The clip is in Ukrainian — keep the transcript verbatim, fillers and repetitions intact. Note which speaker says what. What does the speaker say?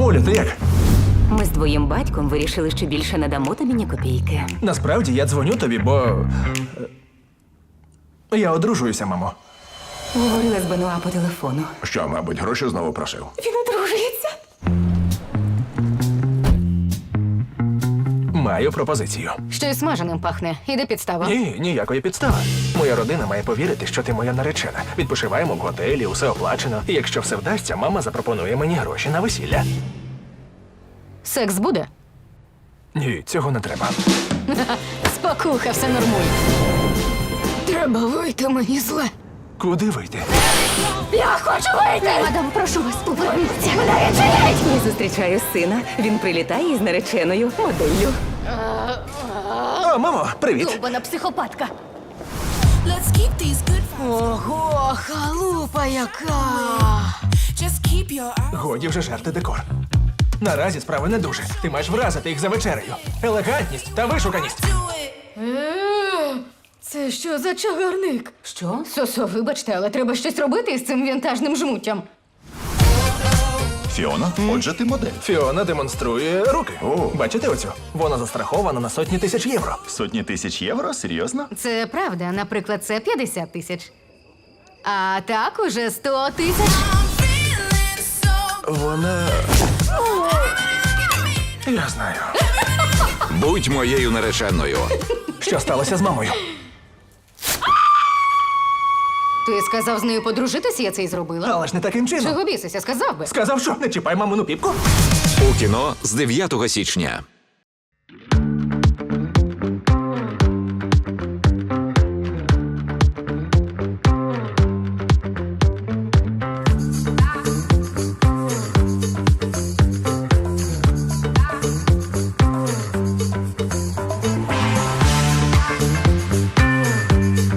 Speaker 1: Олю, ти як?
Speaker 2: Ми з твоїм батьком вирішили, що більше не дамо тобі ні копійки.
Speaker 1: Насправді я дзвоню тобі, бо. е, Я одружуюся, мамо.
Speaker 2: Говорила з Бенуа по телефону.
Speaker 3: Що, мабуть, гроші знову просив?
Speaker 2: Він одружується.
Speaker 1: Маю пропозицію.
Speaker 4: Щось смаженим пахне. Іде підстава.
Speaker 1: Ні, ніякої підстави. Моя родина має повірити, що ти моя наречена. Відпочиваємо в готелі, усе оплачено. І якщо все вдасться, мама запропонує мені гроші на весілля.
Speaker 4: Секс буде?
Speaker 1: Ні, цього не треба.
Speaker 4: Спокуха, все нормуй. Треба вийти, мені зле.
Speaker 1: Куди вийти?
Speaker 4: Я хочу вийти! Мадам, прошу вас, поверніться. Мене відчиніть!
Speaker 2: Я зустрічаю сина. Він прилітає із нареченою моделлю.
Speaker 1: О, мамо, привіт!
Speaker 4: Довбана психопатка.
Speaker 5: Let's keep these good vibes.
Speaker 4: Ого, халупа яка!
Speaker 5: Just keep your eyes.
Speaker 1: Годі вже жерти декор. Наразі справи не дуже. Ти маєш вразити їх за вечерею. Елегантність та вишуканість.
Speaker 5: Do it.
Speaker 4: Е, Це що за чагарник?
Speaker 2: Що?
Speaker 4: Сосо, вибачте, але треба щось робити із цим вінтажним жмуттям.
Speaker 3: Фіона, отже, ти модель.
Speaker 1: Фіона демонструє руки.
Speaker 3: О.
Speaker 1: Бачите оцю? Вона застрахована на сотні тисяч євро.
Speaker 3: Сотні тисяч євро? Серйозно?
Speaker 4: Це правда, наприклад, це п'ятдесят тисяч. А так уже сто тисяч.
Speaker 5: I'm feeling so
Speaker 1: Вона. Я знаю.
Speaker 6: Будь моєю нареченою.
Speaker 1: Що сталося з мамою?
Speaker 4: Ти сказав з нею подружитися, я це й зробила.
Speaker 1: Але ж не таким чином.
Speaker 4: Чого бісися, сказав би.
Speaker 1: Сказав, що не чіпай мамину піпку.
Speaker 6: У кіно з дев'ятого січня.